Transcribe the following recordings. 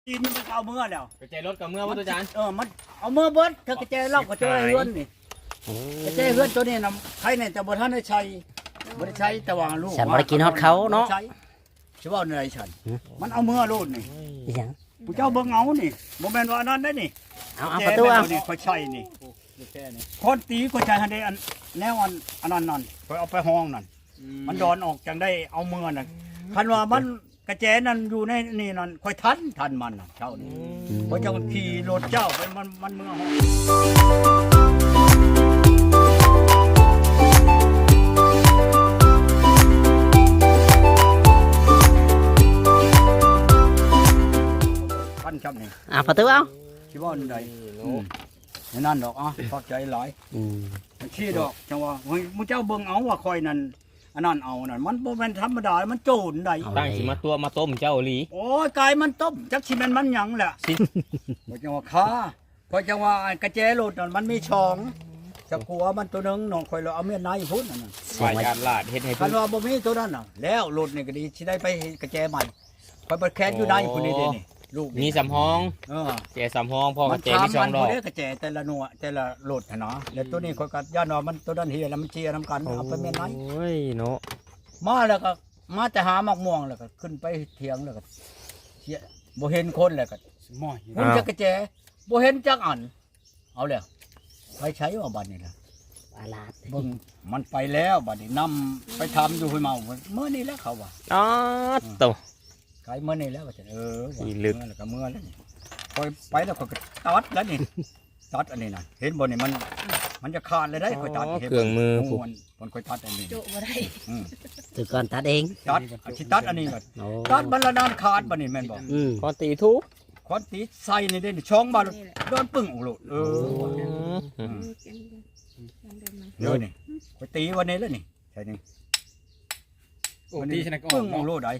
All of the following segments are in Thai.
กินมันเอาเมื่อแล้วกระจายรถกับเมื่อวัตถุจานมันเอาเมื่อเบิดเธอกระเจเล่ากระเจเฮือนนี่กระเจเฮือนตัวนี้นะใครเนี่ยแต่บ่ทันได้ใช้บ่ได้ใช้แต่ว่าลูกฉันบ่ได้กินฮอดเขาเนาะใช่ว่าในฉันมันเอาเมื่อโลดนี่อีหยังผู้เจ้าเบิ่งเอานี่บ่แม่นว่านั้นได้นี่เอาประตูเอานี่ค่อยใช้นี่คนตีก็ใช้หันได้อันแนวอันนั้นนั่นค่อยเอาไปห้องนั่นมันดอนออกจังได้เอาเมื่อนั่นคันว่ามันกระแจนั่นอยู่ในนี่นั่นค่อยทันมันน่ะเจ้านี่เพราะเจ้าขี่รถเจ้าไปมันเมื่อห้องพันครับนี่ประตูเอาคิดว่าอันใดนั่นดอกขอบใจหลายมันชี้ดอกจังว่ามึงเจ้าเบิ่งเอาว่าคอยนั่นอันนั้นเอานั่นมันบ่แม่นธรรมดามันโจรได้ตั้งสิมาตัวมาต้มเจ้าหลีโอ้ยกายมันต้มจักสิแม่นมันหยังแหละบ่จังว่าค้าพอจังว่ากระแจรถนั่นมันมีช่องจะกลัวมันตัวนึงน้องคอยเราเอาเมียนายพุ่นนั่นน่ะฝ่ายการลาดเฮ็ดให้คันว่าบ่มีตัวนั้นน่ะแล้วรถนี่ก็ดีสิได้ไปกระแจใหม่คอยบ่แค้นอยู่ได้พุ่นนี่เด้นี่ลูกมีสำห้องแจสำห้องพ่อกระแจมี2ดอกมันกระแจแต่ละหน่วยแต่ละรถนะแล้วตัวนี้คอยก็ย่านว่ามันตัวนั้นเฮียแล้วมันเจียนำกันเอาไปเมียนายโอ้ยเนาะมาแล้วก็มาจะหาหมักม่วงแล้วก็ขึ้นไปเถียงแล้วก็บ่เห็นคนแล้วก็มันจะกระแจบ่เห็นจักอันเอาแล้วไปใช้ว่าบัดนี้ล่ะปลาดเบิ่งมันไปแล้วบัดนี้นำไปทำอยู่ห้วยเมาเมื่อนี้แล้วเขาว่าโตไกลเมื่อนี้แล้วว่าจะอีลึกแล้วก็เมื่อแล้วพอไปแล้วก็ตัดแล้วนี่ตัดอันนี้น่ะเห็นบ่นี่มันจะขาดเลยได้ค่อยตัดเครื่องมือมันค่อยตัดอันนี้โจบ่ได้ตัวก่อนตัดเองตัดอันนี้ก่อนตัดบรรดาขาดบ่นี่แม่นบ่คอนตีทุกคอนตีใส่นี่เด้ช่องบ่โดนปึ้งออกโลดเดี๋ยวนี่ค่อยตีวันนี้แล้วนี่ใช่นี่โอ้ตีชนะก็ปึ้งออกโลดได้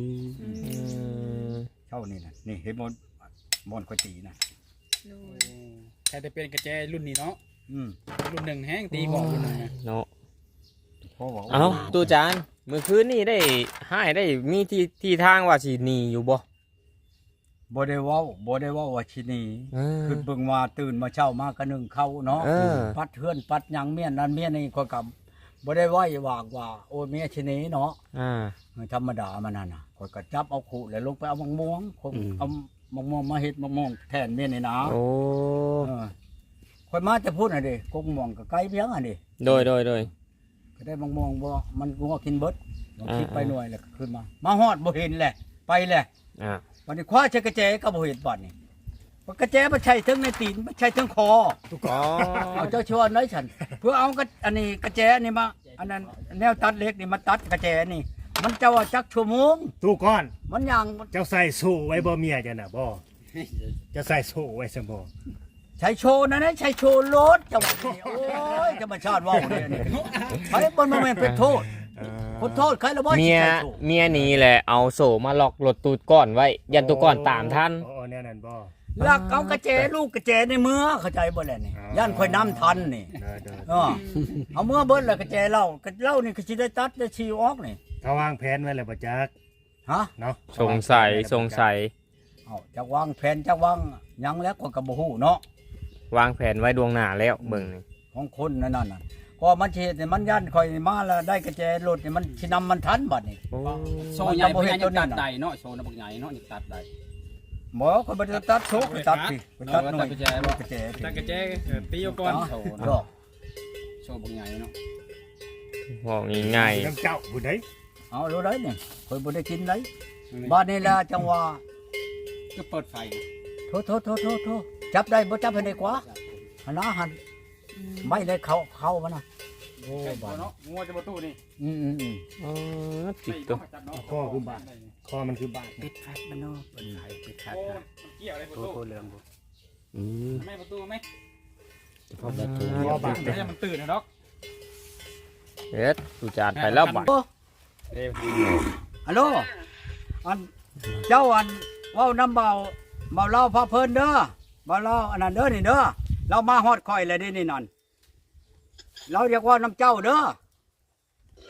เท่านี้น่ะนี่เห็นบ่ค่อยตีนะใครจะเป็นกระแจรุ่นนี้เนาะรุ่นหนึ่งแห้งตีบอกรุ่นหนึ่งเนาะเอาตู้จานเมื่อคืนนี่ได้ให้ได้มีที่ทางว่าสิหนีอยู่บ่ได้เว้าว่าสิหนีคือเบิ่งว่าตื่นมาเช้ามาก็นึ่งข้าวเนาะปัดเฮือนปัดหยังเมียนนั่นเมียนี่ค่อยกับบ่ได้ไหว้วากว่าโอ้เมียสิหนีเนาะธรรมดามันนั่นน่ะค่อยก็จับเอาขู่แล้วลงไปเอามะม่วงเอามะม่วงมาเฮ็ดมะม่วงแทนเมียนี่นะโอ้ค่อยมาจะพูดน่ะดิกงม่วงก็ไกลเพียงอ่ะดิโดยก็ได้มะม่วงบ่มันงัวกินเบิดคิดไปหน่วยแล้วก็ขึ้นมาฮอดบ่เห็นแหละไปแหละวันนี้คว้าใช้กระแจก็บ่เห็นบัดนี่กระแจมันใช้ทั้งในตีนมันใช้ทั้งคอเอาเจ้าชวนน้อยฉันเพื่อเอาอันนี้กระแจนี่มาอันนั้นแนวตัดเล็กนี่มาตัดกระแจนี่มันจะว่าจักชั่วโมงตู้ก้อนมันยังเจ้าใส่โซ่ไว้บ่เมียจ้ะน่ะบ่จะใส่โซ่ไว้ซั่นบ่ใช้โชว์นั่นนะใช้โชว์รถจังหวะนี้โอ้ยจะมาชาติว่าวเนี่ยไอ้บนมันเป็นโทษคนโทษใครละบ่เมียนี่แหละเอาโซ่มาล็อกรถตูดก้อนไว้ยันตูก้อนตามทันแน่นั่นบ่ลักเอากระเจลูกกระเจในมือเข้าใจบ่แหละนี่ย่านค่อยน้ำทันนี่เอาเมื่อเบิ้ลแล้วกระเจเล่านี่ก็สิได้ตัดได้ชีออกนี่เขาวางแผนไว้แล้วบ่จักเนาะสงสัยจักวางแผนจักวางยังแล้วก็บ่ฮู้เนาะวางแผนไว้ดวงหน้าแล้วเบิ่งนี่ของคนนั่นน่ะพอมันเฮ็ดนี่มันย่านค่อยมาแล้วได้กระเจรถนี่มันสินำมันทันบัดนี่โซ่ใหญ่บ่เฮ็ดตัดได้เนาะโซ่บักใหญ่เนาะนี่ตัดได้บ่ก็บ่ได้ตัดโชกตัดสิตัดหน่อยกระแจตัดกระแจตีเอาก่อนโซ่บักใหญ่เนาะบอกง่ายๆเจ้าผู้ใดเอารู้ได้นี่ค่อยบ่ได้กินได้บ้านนี้ล่ะจังว่าก็เปิดไฟโทจับได้บ่จับให้ได้กว่าหันหันไม่ได้เข้ามันน่ะโอ้บ่เนาะงัวจะบ่ตู้นี่จิตตัวคอคือบาดคอมันคือบาดปิดคัดมันเนาะเปิดไฟปิดคัดนะเกี่ยวอะไรประตูเรื่องบ่ไม่ประตูมั้ยพอแบบบาดให้มันตื่นนะดอกเฮ็ดตู้จานไปแล้วบัดฮัลโหลอันเจ้าอันเว้านำเบาเล่าพาเพิ่นเด้อเบาเล่าอันนั้นเด้อนี่เด้อเรามาฮอดข่อยแล้วนี่นั่นเราเรียกว่าน้ำเจ้าเด้อ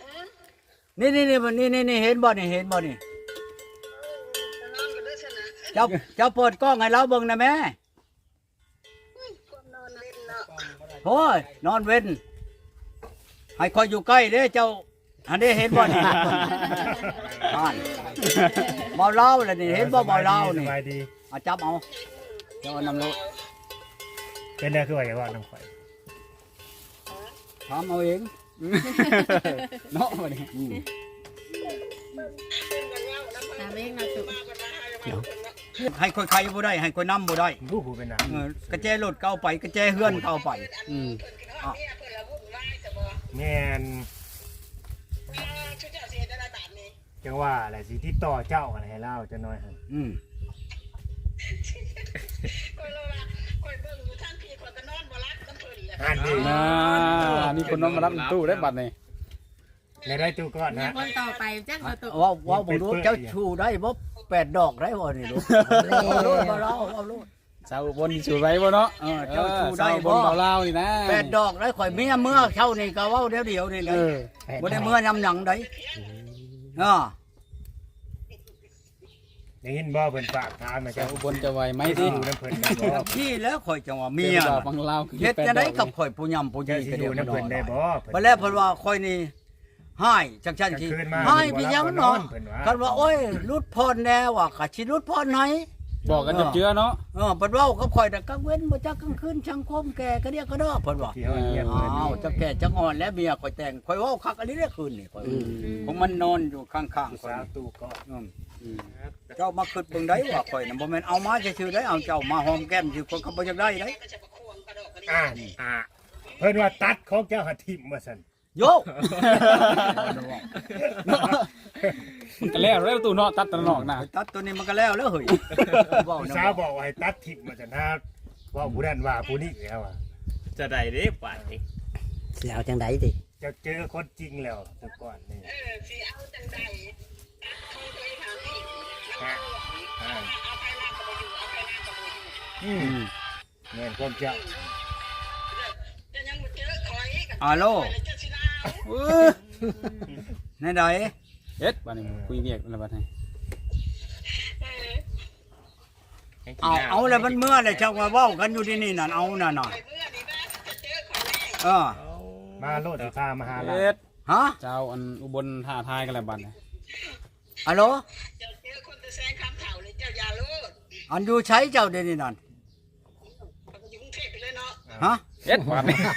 นี่เห็นบ่นี่เจ้าเปิดกล้องให้เราเบิ่งนะแม่โอ้ยนอนเว้นให้คอยอยู่ใกล้เด้เจ้าอันนี้เห็นบ่นี่อ่านเบาเล่าเลยนี่เห็นบ่เบาเล่านี่สบายดีเอาจับเอาเจ้าเอานำโลดเป็นได้คือว่าอย่าว่าน้ำข่อยถามเอาเองเนาะบ่นี่ตามเองนะตุให้คอยใครบ่ได้ให้คอยนำบ่ได้ผู้ผู้เป็นหนังกระแจรถเก่าไปกระแจเฮือนเก่าไปแม่นจังว่าอะไรสิที่ต่อเจ้าอะไรให้เล่าจะน้อยหั่นอืมอ่านดิมีคนน้องมารับตู้ได้บัตรนี่ในได้ตู้ก่อนเนี่ยนะคนต่อไปจักประตูว่าบ่รู้เจ้าชูได้บ่8 ดอกได้บ่นี่ลูกเอาโลดบ่เล่าเอาโลดชาวบนชูไว้บ่เนาะเจ้าชูได้บบ่นเบาเล่านี่นะ 8 ดอกได้ข่อยเมียเมื่อเท่านี่ก็เว้าเดียวๆนี่เลยบ่ได้เมื่อยำหยังได้อ่าได้ยินบ่เพิ่นฝากถามมาชาเจ้าวบนจะไหวไหมไม่ที่ดูน้ำเพิ่นได้บ่ที่แล้วข่อยจังว่าเมียดอกบางเล่าเฮ็ดจะได้กับข่อยผู้ยำผู้เจ้ายีสิก็อเดียยู่วน้ำเพิ่นได้บ่บ่แล้วเพิ่นว่าข่อยนี่ให้จังซั่นสิให้ไปยังเนาะกันว่าโอ้ยรุดพรแน่ว่ะก็สิรุดพรให้บอกกันจับเจือเนาะเพิ่นเว้ากับข่อยแต่กลางเว้นบ่จักกลางคืนช่างคมแก่ก็เรียกก็ดอเพิ่นว่าที่เฮาเงียบอ้าวจักแก่จักอ่อนแล้วเมียข่อยแต่งข่อยเว้าคักอันนี้ได้คืนนี่ข่อยผมมันนอนอยู่ข้างๆข่อยสาวตู้ก่อนเจ้ามาคิดเบิ่งได้ว่าข่อยน่ะบ่แม่นเอามาซื่อๆได้เอาเจ้ามาหอมแก้มสิคนก็บ่อยากได้ได้เพิ่นว่าตัดของเจ้าหาทิ่มว่าซั่นโยกมันก็แล้วแล้วตู้เนาะตัดตะนอกนะตัดตัวนี้มันก็แล้วเฮ้ยเว้าผู้นะสาวบอกว่าให้ตัดทิ่มว่าซั่นถ้าว่าผู้นั้นว่าผู้นี้แล้วอ่ะจะได้เด้ป่านนี้สิเอาจังไดติจะเจอคนจริงแล้วแต่ก่อนนี่เงินความเจ้าฮัลโหลในใดเอ็ดบัดนี้คุยเรียกอะไรบัดนี้เอาแล้วมันเมื่อเลยเจ้าว่าเว้ากันอยู่ที่นี่นั่นเอานั่นน่ะเออมาโลดสิพามาหาเราเอ็ดฮะเจ้าอันอุบลท่าทายกันแล้วบัดนี้ฮัลโหลอันอยู่ใช้เจ้าเดี๋ยวนี้นั่นฮะเอ็ดบัดนี้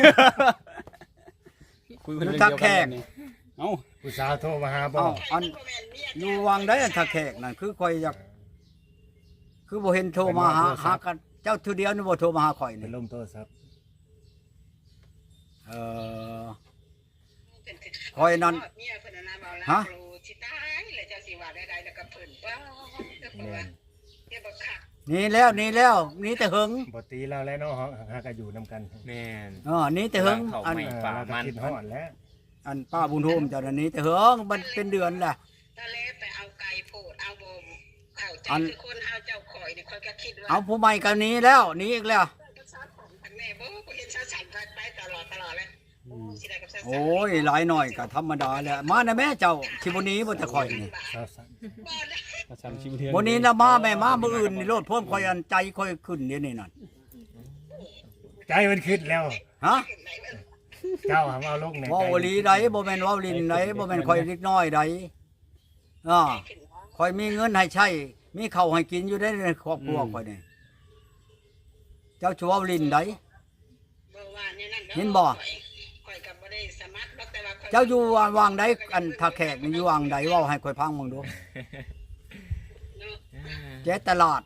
คุยกันเรื่องเดียวกันนี่เอ้าผู้สาวโทรมาหาบ่เอาอันอยู่วังได้อันถ้าแขกนั่นคือข่อยอยากคือบ่เห็นโทรมาหากันเจ้าทีเดียวนี่บ่โทรมาหาข่อยเป็นี่นลมโทรศัพท์ข่อยนั่นฮะแม่นนี่แล้วนี่แต่หึงบ่ตีเราแล้วเนาะหากันอยู่นํกันแม่นนี่แต่หึงอันไม่ ป่าเราก็มันคิดฮอดแล้วอันป้าบุญโฮมเจ้านั่นนี่แต่หึงมันเป็นเดือนแหละทะเลไปเอาไก่โพดเอาบ่มเข้าใจอันคือคนเอาเจ้าข่อยนี่ข่อยก็คิดว่าเอาผู้ใหม่กันนี้แล้วหนี้อีกแล้วแม่บ่เห็นชาสันไปตลอดเลยสิได้กับชาสันโอ้ยหลายหน่อยก็ธรรมดาแหละมานะแม่เจ้าชิบุนี้บ่จะข่อยนี่สาวสันประชันชิมเทือนบ่นี้นะมาแม่มามื้ออื่นนี่โลดพ่วมข่อยอันใจข่อยขึ้นเดี๋ยวนี้นั่นใจมันคิดแล้วฮะเจ้าหาเอาลงในเว้าอีหลีใดบ่แม่นเว้าลิ้นใดบ่แม่นข่อยเล็กน้อยใดข่อยมีเงินให้ใช้มีข้าวให้กินอยู่ได้ในครอบครัวข่อยนี่เจ้าชัวลิ้นใดบ่ว่าเนี่ยนั่นเห็นบ่ข่อยก็บ่ได้สมัครหรอกแต่ว่าข่อยเจ้าอยู่วางใดอันถ้าแขกนี่อยู่วางใดเว้าให้ข่อยพังมึงดูเจ๊ตลาด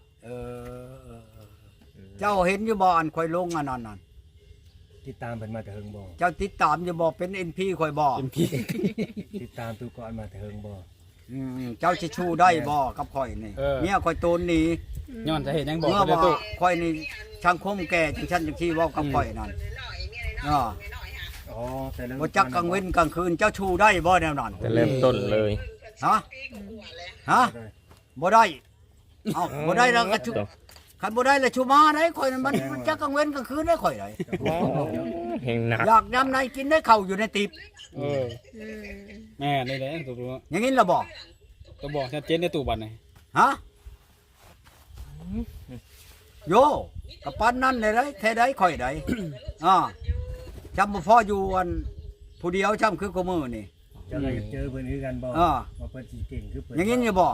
เจ้าเห็นอยู่บ่อันข่อยลงอันนั้นน่ะติดตามเพิ่นมาแต่เฮิงบ่เจ้าติดตามอยู่บ่เป็น NP ข่อยบ่เป็นพี่ติดตามตู้ก่อนมาแต่เฮิงบ่เจ้าสิชูได้บ่กับข่อยนี่เมียข่อยโตนหนีย้อนจะเห็นยังบอกเมื่อเด้อว่าตู้ข่อยนี่ช่างคมแก่จังซั่นจังซี่เว้ากับข่อยนั่นน้อยเมียน้อ่าอยน้อยฮะอ๋อแต่เริ่มบ่จักกลางเว้นกลางคืนเจ้าชูได้บ่แนวนั้นแต่เริ่มต้นเลยฮะปีกว่าแล้วฮะบ่ได้เอ้าบ่ได้แล้วก็ชูคันบ่ได้แล้วชูมาได้ข่อยนั่นมันจักกลางเว้นกลางคืนได้ข่อยได้เฮงหนักอยากยามใดกินได้ข้าวอยู่ในติบเออแม่นี่แหละตู้อย่างนี้ล่ะบ่ตัวบอกชัดเจนในตู้บัดนี่ฮะโยกับปันนั่นเลยได้แท้ได้ข่อยได้ จำบ่พออยู่อันผู้เดียวจำคือกูมือนี่เจะเลยเจอเพิ่นคือกันบ่อ่าว่าเพิ่นสิเก่งคือเพิ่นอย่างงี้นี่บ่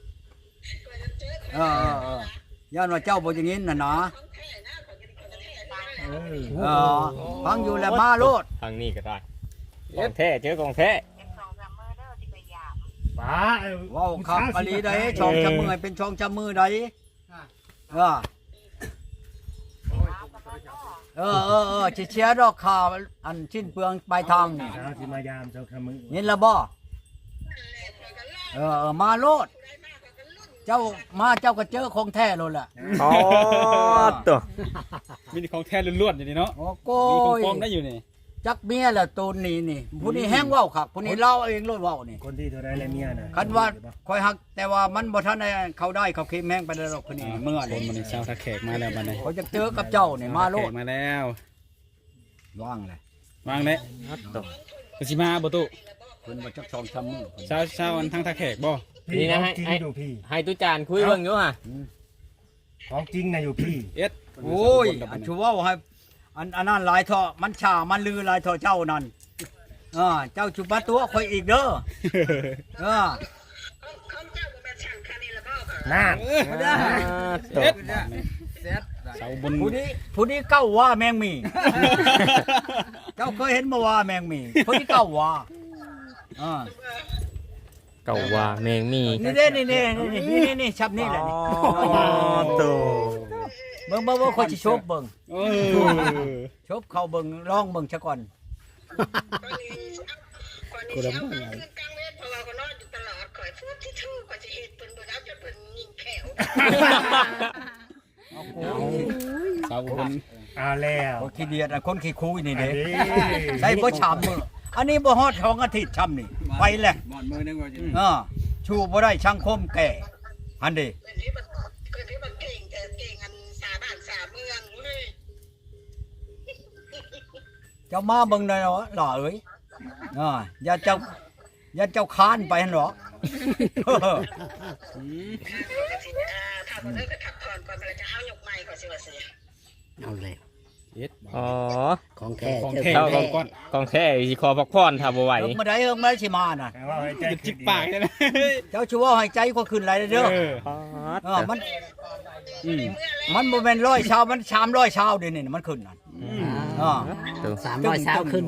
ย่านว่าเจ้าบ่อย่างงี้น่ะนะเออฟังอยู่แล้วมาโลดทางนี้ก็ได้ของแท้เจอของแท้ป้าเว้าคักกะลีได้ช่องจำมือให้เป็นช่องจำมือได้เชียร์ดอกข่าวอันชิ้นเปลืองปลายทางนี่เช้าสิมายามเจ้าคำมือยินแล้วบ่มาโลด เจ้ามาเจ้าก็เจอของแท้โลดล่ะอ๋อตัวมีแต่ของแท้ล้วนๆอยู่นี่เนาะโอ้โก้มีของยปลอมได้อยู่นี่จักเมียละตูนนี่ผู้นี้แห้งเว้าคักผู้นี้เล่าเองโลดเว้านี่คนที่เท่าไรและเมียน่ะคันว่าคอยหักแต่ว่ามันบ่ทันได้เขาได้เขาเค็มแห้งไปแล้วหรอกคนนี้เมื่อคนมันเช้าทักแขกมาแล้วบัดนี้เขาจะเจอกับเจ้านี่มาโลแขดกมาแล้วว่างเลยวางเลยตัวก็สิมาบ่ตุเพิ่นบ่จักช่องจำมือเช้าอันทั้งทักแขกบ่พี่ของจริงอยู่พี่ให้ตุจานคุยเบิ่งอยู่ฮะของจริงน่ะอยู่พี่เอ็ดโอ้ยอันชูเว้าให้อันนั้นหลายเถาะมันชามันลือหลายเถาะเจ้านั่นเจ้าจุบมาตัวคอยอีกเด้อของเจ้าบ่แม่นช่างคันนี้ละบ่ค่ะน่าตัวเอ็ดเสาบนผู้นี้เก้าว่าแมงมี เจ้าเคยเห็นบ่ว่าแมงมีผู้นี้เก้าว่าเก่าว่าแมงมีนี่เด้นี่ชับนี่แหละนี่ตัวเบิ่งคอยสิชบเบิ่งโอ้ชบเข้าเบิ่งลองเบิ่งซะก่อนก่อนนี้เช้าคืนกลางเวทเพราะว่าก็นอนอยู่ตลอดข่อยพูดที่ทู่ก็สิเฮ็ดเพิ่นบ่เอาจนเพิ่นยิงแขวเสาบนเอาแล้วคนขี้เดียดคนขี้คุยนี่เด้อันนี้ใส่บ่ชามมืออันนี้บ่ฮอด2อาทิตย์ช้ำนี่ไปแหละบ่อนมือนึงว่าจะชูบ่ได้ช่างคมแก่อันเด้เพิ่นที่มันเก่งแต่เก่งอันสาบ้านสาเมืองเว้ยเจ้ามาเบิ่งหน่อยเนาะหล่อเอ้ยอย่าเจ้าค้านไปหั่นหรอกถ้าบ่ได้ก็ขับผ่อนก่อนมันจะเอายกไม้ก่อนสิว่าสิเอาเลยเอ็ดอ๋อของแท้ของเจอแท้ของขอแท้งก้อนของแท้สิขอพักพรถ้าบ่ไหวเอิ้งมาได้สิมาน่ะแต่ว่าให้ใจจิกปากใช่ไหมเจ้าชูว่าให้ใจก็ขึ้นหลายเด้อ มันบ่แม่น100ชาวมัน300ชาวเดี๋ยวนี้มันขึ้นน่ะตัว 300สาวขึ้น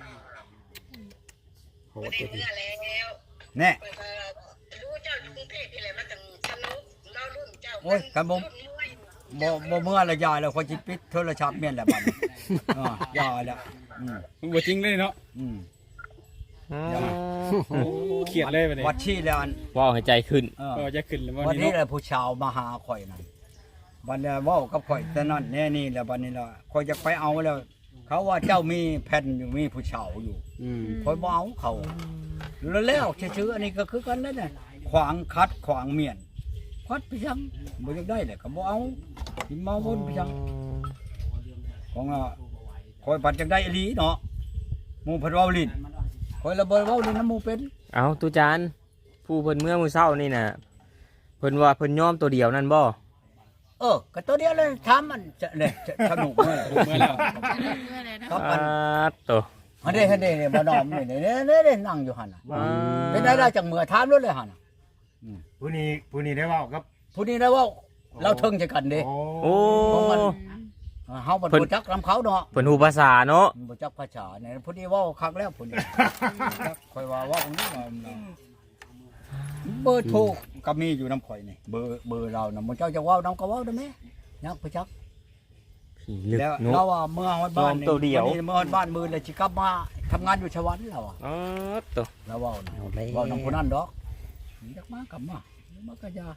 โหดได้จริงเมื่อแล้วแน่รู้เจ้าอยู่กรุงเทพนี่แหละมันจังสนุกเรารุ่นเจ้าโอ้ยกันบ่เมื่อละยายแล้วค่อยสิปิดโทรศัพท์แม่นแหละบัดนี้ยาแล้วมันบ่จริงเลยเนาะเขียดเลยบัดนี้วัดชี้แล้วอันว้าวให้ใจขึ้นก็จะขึ้นแล้ววัวัน นนี้นี้แหเนาะละผู้ชาวมาหาข่อยนั่นบัดนี้เว้ากับข่อยแต่นั่นแน่นี่แหละบัดนี้ล่ะข่อยจะไปเอาแล้ว เขาว่าเจ้ามีแผ่นอยู่มีผู้ชาวอยู่ข่อยบ่เอาเขาแล้วชื่ออันนี้ก็คือกันนั่นน่ะขวางคัดขวางเมียนคัดไปจังบ่อยากได้แหละก็บ่เอาสิมาวนไปจังของข่อยปัดจังได้อีหลีเนาะหมู่เพิ่นเว้าลิ้นข่อยละบ่เว้าลิ้นน้ำหมู่เป็นเอาตุจานผู้เพิ่นเมื่อมื้อเช้านี่น่ะเพิ่นว่าเพิ่นยอมตัวเดียวนั่นบ่ก็ตัวเดียวเลยถามมันจะเนี่ยจะสนุกเมื่อไหร่เมื่อแล้วเมื่อไรนะครับอันตัวอันนี้เนี่ยบ่นอมนี่เนี่ยนั่งอยู่หั่นน่ะเป็นได้จังเมื่อถามรถเลยหั่นน่ะผู้นี้ได้เว่ากับผู้นี้ได้ว่าเราเทิงจะกันเด้โอ้เฮาบ่จักนำเขาเนาะเพิ่นฮู้ภาษาเนาะบ่จักภาษาเนี่ยผู้นี้เว้าคักแล้วผู้นี้ค่อยว่าเว้าอันนี้เบอร์โทรก็มีอยู่นำข่อยนี่เบอร์เราน่ะมื้อเจ้าจะเว้านำก็เว้าได้มั้ยยักไปจักผีลึกแล้วเนาะเราว่าเมื่อฮอดบ้านตัวเดียวเมื่อฮอดบ้านมื้อแล้วสิกลับมาทำงานอยู่ชวันแล้วอ่ะอ๋อตัวแล้วเว้านะเอาเลยเว้านำผู้นั้นดอกอยากมากลับมามันก็ยา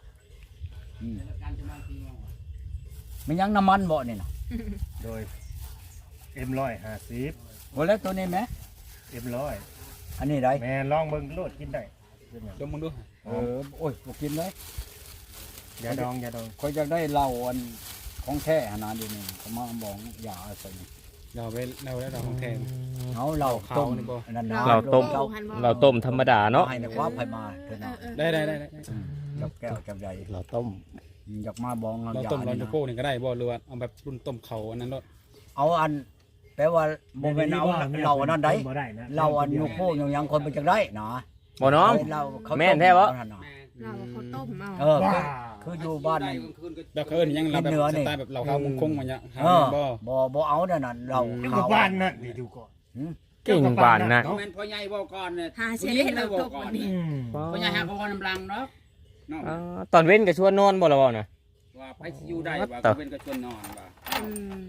มันยังน้ำมันบ่นี่น่ะโดย M150 บ่แล้วตัวนี้แหม M100 อันนี้ได้แม่ลองเบิ่งโลดกินได้ดมมึงดูโอ้ยบ่กินเลยอย่าดองข่อยอยากได้เหล้าอันของแท้ขนาดนี้ก็มาบอกยาใส่นี่เราไปเราได้เราของแทนเอาเหล้าต้มนี่บ่นั่นนะเราต้มเราเราต้มธรรมดาเนาะให้ในความไผมาเถอะนะได้จับแก้วจับใหญ่เราต้มอยากมาบองเราต้มเราจะโก้นี่ก็ได้บ่หรือว่าเอาแบบรุ่นต้มเขาอันนั้นเนาะเอาอันแปลว่าบ่แม่นเอาเราอันนั้นได้บ่ได้นะเราอันยูโคยังคนมันจังได้เนาะบ่น้อมเราเขาแม่นแท้บ่เราเขาต้มเอาเออคืออยู่บ้านนั่นแบบเขาเอิ้นหยังเราแบบเนื้อสนี่ไตล์แบบเราข้าวมุงคงมาเนี่ยหาเออบ่บ่เอานั่นน่ะเราอยู่เขากับบ้านนั่นนี่ดูก่อนเก่งปานนะแม่นพ่อใหญ่บอกก่อนเนี่ยหาเสียให้เราตกวันนี้พ่อใหญ่หาพ่อน้ำลังเนาะเนาะตอนเว้นก็ชวนนอนบ่ละบ่น่ะว่าไปสิอยู่ได้ว่าต่อเป็นกระชวนนอนว่าอืม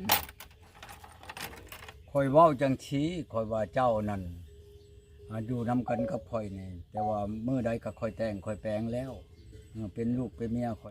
คอยเว้าจังชี้คอยว่าเจ้านั่นอยู่นํกันกับข่อยนี่แต่ว่ามื้อใดก็ค่อยแต่งค่อยแปลงแล้วเป็นลูกเป็นเมียข่อย